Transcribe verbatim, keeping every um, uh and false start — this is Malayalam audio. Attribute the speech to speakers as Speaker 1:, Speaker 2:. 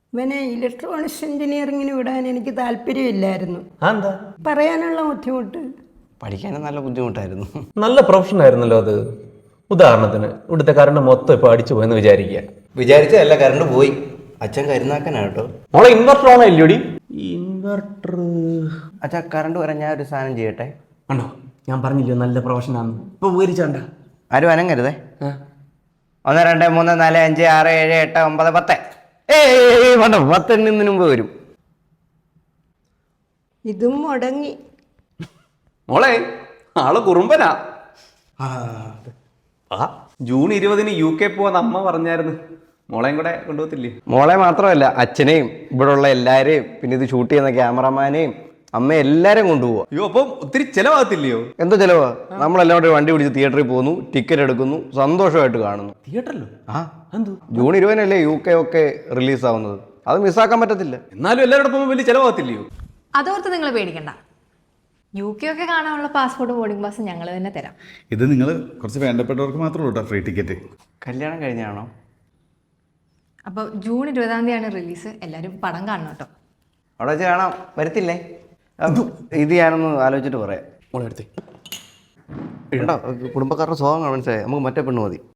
Speaker 1: ഇവനെ ഇലക്ട്രോണിക്സ് എഞ്ചിനീയറിങ്ങിന് വിടാൻ എനിക്ക് താല്പര്യമില്ലായിരുന്നു.
Speaker 2: എന്താ
Speaker 1: പറയാനുള്ള ബുദ്ധിമുട്ട്.
Speaker 3: പഠിക്കാനും നല്ല ബുദ്ധിമുട്ടായിരുന്നു.
Speaker 2: നല്ല പ്രൊഫഷൻ ആയിരുന്നല്ലോ അത്. ഉദാഹരണത്തിന് ഇവിടുത്തെ കറണ്ട് മൊത്തം ഇപ്പൊ അടിച്ചു പോയെന്ന് വിചാരിക്കുക.
Speaker 3: വിചാരിച്ചതല്ല, കറണ്ട് പോയി. അച്ഛൻ കരുന്നാക്കനാ കേട്ടോ.
Speaker 2: മോളെ ഇൻവെർട്ടർ ഓണോ ഇല്ലയോടി? ഇൻവെർട്ടർ
Speaker 3: അച്ഛാ കറണ്ട് വരാൻ ഞാൻ ഒരു സാധനം ചെയ്യട്ടെ.
Speaker 2: ആണോ? ഞാൻ പറഞ്ഞില്ലയോ നല്ല പ്രൊഫഷനാന്ന്. ഇപ്പൊ ഉപകരിച്ചാണ്ട
Speaker 3: ആരും അനങ്ങരുതേ. ഒന്ന് രണ്ട് മൂന്ന് നാല് അഞ്ച് ആറ് ഏഴ് എട്ട് ഒമ്പത് പത്ത്. ഏയ് വേണ്ട, പത്തെണ്ണിന് മുമ്പ് വരും.
Speaker 1: ഇതും മുടങ്ങി.
Speaker 2: മോളെ ആള് കുറുമ്പനാ. ആ ജൂൺ ഇരുപതിന് യു കെ പോവാന്ന് അമ്മ പറഞ്ഞായിരുന്നു. മോളെയും കൂടെ കൊണ്ടുപോകത്തില്ലേ?
Speaker 3: മോളെ മാത്രമല്ല, അച്ഛനെയും ഇവിടെ ഉള്ള എല്ലാവരെയും, പിന്നെ ഇത് ഷൂട്ട് ചെയ്യുന്ന ക്യാമറമാനെയും അമ്മ എല്ലാവരെയും കൊണ്ടുപോവാ.
Speaker 2: അയ്യോ, അപ്പം ഒത്തിരി ചെലവാകത്തില്ലയോ?
Speaker 3: എന്തോ ചിലവാ. നമ്മളെല്ലാം കൂടെ വണ്ടി പിടിച്ച് തിയേറ്ററിൽ പോകുന്നു, ടിക്കറ്റ് എടുക്കുന്നു, സന്തോഷമായിട്ട് കാണുന്നു.
Speaker 2: തിയേറ്ററിലോ?
Speaker 3: ആ
Speaker 2: എന്തോ
Speaker 3: ജൂൺ ഇരുപതിനല്ലേ യു കെ ഒക്കെ റിലീസ് ആവുന്നത്. അത് മിസ്സാക്കാൻ പറ്റത്തില്ല.
Speaker 2: എന്നാലും എല്ലാവരുടെ പോകുമ്പോൾ വലിയ ചെലവാകത്തില്ലയോ?
Speaker 4: അതോർത്ത് നിങ്ങൾ പേടിക്കണ്ട. യു കെ ഒക്കെ കാണാനുള്ള പാസ്പോർട്ട് ബോർഡിംഗ് പാസ് ഞങ്ങൾ തന്നെ തരാം.
Speaker 5: ഇത് നിങ്ങൾ കുറച്ച് വേണ്ടപ്പെട്ടവർക്ക് മാത്രമേ ഉള്ളൂ ഫ്രീ ടിക്കറ്റ്.
Speaker 3: കല്യാണം കഴിഞ്ഞാണോ?
Speaker 4: അപ്പോൾ ജൂൺ ഇരുപതാം തീയതിയാണ് റിലീസ്. എല്ലാവരും പടം കാണണം കേട്ടോ.
Speaker 3: അവിടെ വെച്ച് കാണാം. വരത്തില്ലേ? ഇത് ഞാനൊന്ന് ആലോചിച്ചിട്ട് പറയാം.
Speaker 2: മോളെ അടുത്തേ
Speaker 3: ഉണ്ടോ കുടുംബക്കാരുടെ സ്വഭാവം മനസ്സിലായി. നമുക്ക് മറ്റേ പെണ്ണ് മതി.